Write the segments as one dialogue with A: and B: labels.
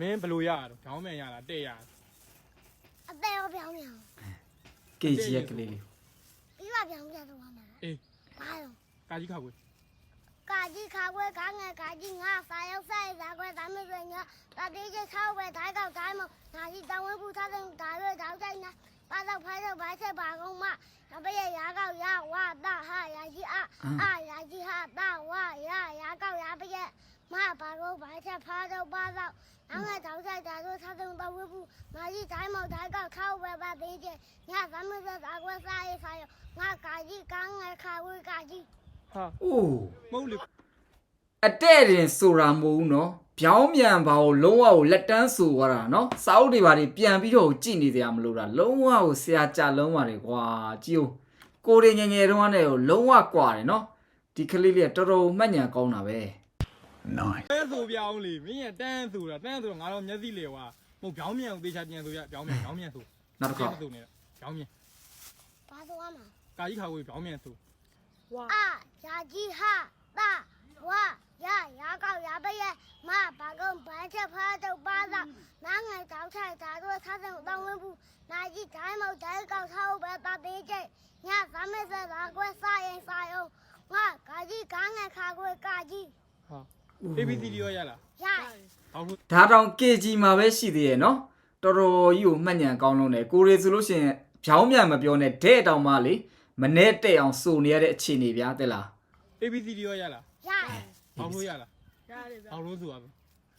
A: မင်းဘလို့ရတော့ခေါင်းမြန်ရလားတဲ့ရ
B: အသေးရောပြောင်းပြောင်း
C: ကေကြီးရဲ့ကလေးလေး
B: ပြီးပါပြောင်းပြန်တော့မှာ
A: အေး
B: ဘာလို့
A: ကာကြီးခါကွေး
B: ကာကြီးခါခွဲကားငယ်ကာကြီးငါစာရောက်ဆိုင်ဇာခွဲဒါမရွေညတာတေးချခောက်ပဲဓာတ်ကောက်တိုင်းမနာကြီးတောင်းဝဲပူထားတဲ့ဓာရွေတောက်တိုင်းနာပါတော့ဖိုင်းတော့ဘာချက်ပါကုန်မနဘရဲ့ရာကောက်ရဝတာဟာရာကြီးအာရာကြီးဟာတာဝရာကောက်ရပရဲ့မပါတော့ဘာချက်ဖားတော့ပါတော့နောက်ငါတောက်ဆိုင်ဓာတို့ထားတဲ့တော့ဝဲပူနာကြီးတိုင်းမဓာတ်ကောက်ခောက်ပဲပါသေးချင်ညဒါမရွေဇာခွဲစားရေးဆိုင်ငါကာကြီးကားငယ်ခါခွဲကာကြီး
A: ဟာ
C: အိုး
A: မဟုတ်လေ
C: အတဲ့တင်ဆိုတာမဟုတ်ဘူးနော်ဗျောင်းမြန်ပါကိုလုံးဝကိုလက်တန်းဆိုသွားတာနော်စာအုပ်တွေပါတွေပြန်ပြီးတော့ကြည့်နေကြရမလို့တာလုံးဝကိုဆရာကြလုံးပါတယ်ကွာကြည့်ဦးကိုရီငယ်ငယ်တုန်းကလည်းလုံးဝကွာတယ်နော်ဒီကလေးလေးကတော်တော်မှတ်ဉာဏ်ကောင်းတာပဲ
D: Nice.
A: တဲဆိုပြောင်းလေမင်းရတန်းဆိုတာတန်းဆိုတော့ငါတော့မျက်စိလေကွာမဟုတ်ခေါင်းမြန်ကိုသေချာပြန်ဆိုရခေါင်းမြန်ဆို
C: နောက်တစ်ခါ
A: ဆိုနေတာခေါင်းမြန်
B: ဘာဆိုရမှာ
A: ကာကြီးခါကွေးခေါင်းမြန်ဆို
B: အာရာကြီးဟာတာဝါရာကောက်ရပရဲ့မဘာကုန်ဘာချက်ဖားတော့ပါတော့နားငယ်တောက်ထိုက်ဓာတို့ထားတဲ့တောင်းဝင်းဘူးနာကြီးတိုင်းမောက်တိုင်းကောက်ထားပဲတာသေးကျညသမက်ဆက်သာကွဲစားရင်စားအောင်ငါကာကြီးကားငယ်ခါကွဲကာကြီး
A: ဟာ ABCD ရောရလား
B: ရ
A: ဟောက်လို့
C: ဒါတောင် KG မှာပဲရှိသေးရဲ့နော်တော်တော်ကြီးကိုမှတ်ဉာဏ်ကောင်းလုံးတယ်ကိုရီဆိုလို့ရှိရင်ဗျောင်းမြန်မပြောနဲ့တဲ့တောင်မှလေမနဲ့တဲ့အောင်စုံနေရတဲ့အခြေအနေဗျာတဲ့လား
A: ABCD ရောရလား
B: ရ
A: ဟောက်လို့ရလား
E: ရတယ်ဗျာ
A: ဟောက်လို့ဆိုပါပဲ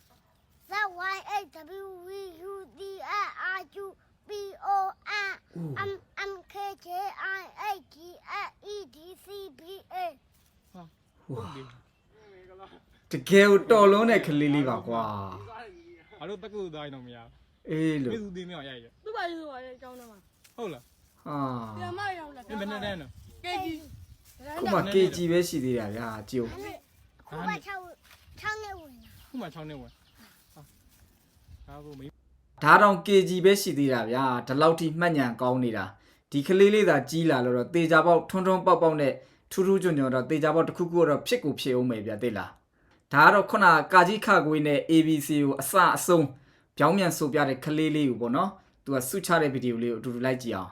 B: ZYHWUDIRUPONMMKJIEDCBA
A: ဟုတ်ပြီ
C: တကယ်ကိုတော်လုံးတဲ့ကလေးလေးပါကွာ
A: ငါတို့တက္ကသိုလ်သားရင်တော့မရ
C: အေး
A: ဘူး
C: လို့
A: ပြည်သူသေးမြောက်ရရ
E: သူ့ဘာလို့ဆိုရဲအကြောင်းတော့မှာ
A: ဟုတ်လား
C: ဟာ
E: ပြန်မရောက်လာ
A: မင်းဘယ်နဲ့တန်းတော့
E: ကေကြီး
C: ခုမှ KG ပဲရှိသေးတာဗျာကြည့်ဦး
B: အခုမှ6နှစ်ဝင်လာ
A: ခုမှ6နှစ်ဝင်ဟာဒါဆိုမင်း
C: ဒါတောင် KG ပဲရှိသေးတာဗျာဒီလောက်ထိမှတ်ဉာဏ်ကောင်းနေတာဒီကလေးလေးသာကြီးလာလို့တော့တေချာပေါက်ထွန်းထွန်းပေါက်ပေါက်နဲ့ထူးထူးကြွန်ကြွန်တော့တေချာပေါက်တစ်ခုခုတော့ဖြစ်ကိုဖြစ်အောင်မယ်ဗျာသိလားဒါကတော့ခုနကာကြီးခကွေးနဲ့ ABC ကိုအစအဆုံးပြောင်းမြန်ဆိုပြတဲ့ကလေးလေးကိုပေါ့နော်သူကဆုချတဲ့ဗီဒီယိုလေးကိုအတူတူလိုက်ကြည့်အောင်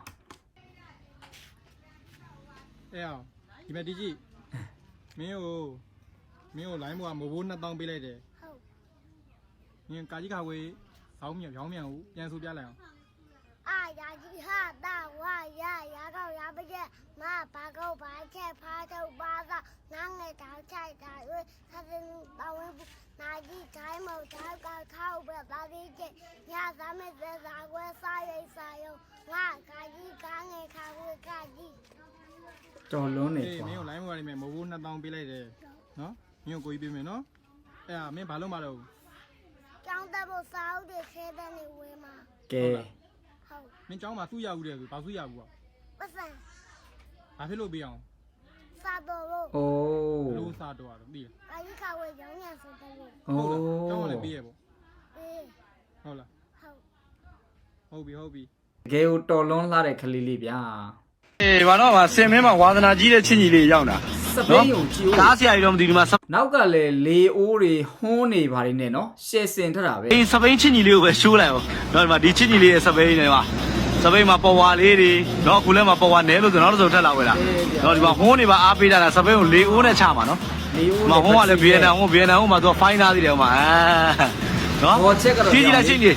A: အဲ့အောင်ဒီမဲ့ဒီကြည့်မင်းကိုလိုင်းဘောကမဘိုး2000ပေးလိုက်တယ်
B: ဟုတ်
A: မင်းကာကြီးခါဝေးဆောင်းမြောင်းကိုပြန်ဆိုပြလိုက်အောင်
B: အာရာကြီးဟာတာဝါရာကောက်ရပရဲ့မဘာကောက်ဘာချက်ဖားတော့ပါတော့နားငယ်တောက်ချိုက်တာရွေးသာတဲ့တောင်းဝဲနာကြီးတိုင်းမောက်တိုင်းကောက်ထောက်ပဲပါသေးချင်ညသမက်သက်သာကွဲစားရိတ်စားရုံငါကာကြီးကားငယ်ခါဝဲကာကြီး
C: တော်လုံးနေ
A: အေး
C: ကွာ
A: မင်းကိုလိုင်းဘောကနေမဲ့မဘိုး2000ပေးလိုက်တယ်နော်မင်းကိုကိုကြီးပေးမယ်နော်အဲ့ဒါမင်းဘာလို့မလုပ်ဘူး
B: ကျောင်းတက်ဖို့စာအုပ်တွေခဲတဲ့နေဝဲမှာ
C: ကဲ
B: ဟုတ်
A: မင်းเจ้าမှာသူ့ရဘူးတဲ့ဆိုဘာသူ့ရဘူးอ่ะ
B: ပတ်စံ
A: ဘာဖြစ်လို့ပေးအောင်
B: စာတော်လို့
C: အိုး
A: လို့စားတော့တော့သိလား
B: ကာကြီးခါဝဲရောင်းရဆိုတယ်လို့
C: အို
A: ဟုတ်လားเจ้าကလည်း
C: း
A: ပေးရပေါ့
B: အေး
A: ဟုတ်လား
B: ဟုတ်
A: ဟုတ်ပြီ
C: တကယ်ကိုတော်လုံးလှတဲ့ကလေးလေးဗျာ
D: အေးဘာတော့မှာစင်မင်းမှာဝါသနာကြီးတဲ့ချင်းကြီးလေးရောက်တာ
C: စပိန်ကိုကြည့်ဦး
D: ကားဆရာကြီးတော့မသိဘူးဒီမှာ
C: နောက်ကလည်းလေအိုးတွေဟွန်းနေပါတယ်နဲ့နော်ရှယ်စင်ထတာပဲ
D: စပိန်ချင်းကြီးလေးကိုပဲရှိုးလိုက်အောင်တော့ဒီမှာဒီချင်းကြီးလေးရဲ့စပိန်နေမှာစပိန်မှာပေါ်ဝါလေးတွေတော့အခုလည်းမှာပေါ်ဝါနဲလို့ဆိုတော့နောက်တစ်စုံထက်လာဝဲလားတော့ဒီမှာဟွန်းနေပါအားပေးတာလားစပိန်ကိုလေအိုးနဲ့ချမှာနော်
C: လေအိုး
D: မဟိုကလည်းဗီယက်နမ်ဟိုဗီယက်နမ်ဟိုမှာသူကဖိုင်းသားသေးတယ်ဟိုမှာနော်
C: ဘောချက်ကတော့
D: ကြီးလိုက်ချင်းကြီး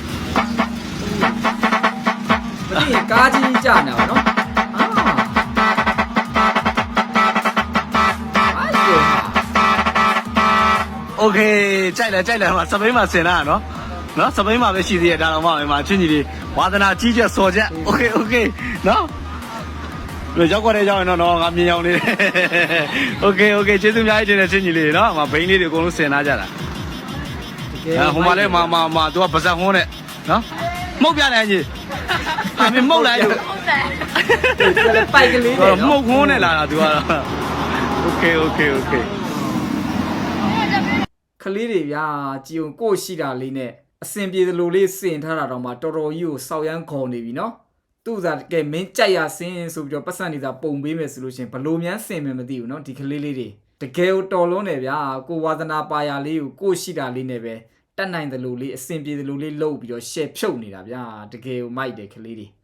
C: မသိရင်ကားကြီးကြာနေပါနော်
D: โอเคကြိုက်လဲဟိုစပိန်မှာဆင်တာနော်နော်စပိန်မှာပဲရှိသေးတယ်ဒါတော့မှချင်းကြီးလေးဝါသနာကြီးချက်စော်ချက်โอเคနော်လို့ရောက်ကြတဲ့ကြောင်းရင်တော့ငါမြင်အောင်လေးโอเคကျေးဇူးအများကြီးတင်တဲ့ချင်းကြီးလေးနော်ငါဘိန်းလေးတွေအကုန်လုံးဆင်ထားကြတာဟိုမှာလဲမသူကပါဇက်ဟွန်းနဲ့နော်မှုတ်ပြတယ်ကြီးအမေမှုတ်လိုက်လို့
E: ဟုတ်တယ်
C: ပိုက်ကလေးနဲ့
D: မှုတ်ဟွန်းနဲ့လာတာသူကတော့โอเค
C: ကလေးတွေဗျာကြည်ုံကို့ရှိတာလေးနဲ့အစင်ပြေသလိုလေးစင်ထားတာတော့မှတော်တော်ကြီးကိုစောက်ရမ်းခေါ်နေပြီနော်သူ့စားကဲမင်းကြိုက်ရစင်ဆိုပြီးတော့ပတ်စံနေတာပုံပေးမယ်ဆိုလို့ရှင်ဘလို့များစင်မယ်မသိဘူးနော်ဒီကလေးလေးတွေတကယ်ကိုတော်လုံးနေဗျာကိုဝါသနာပါရလေးကိုကို့ရှိတာလေးနဲ့ပဲတက်နိုင်တယ်လို့လေးအဆင်ပြေတယ်လို့လေးလှုပ်ပြီးတော့ share ဖြုတ်နေတာဗျာတကယ်ကိုမိုက်တယ်ကလေးတွေ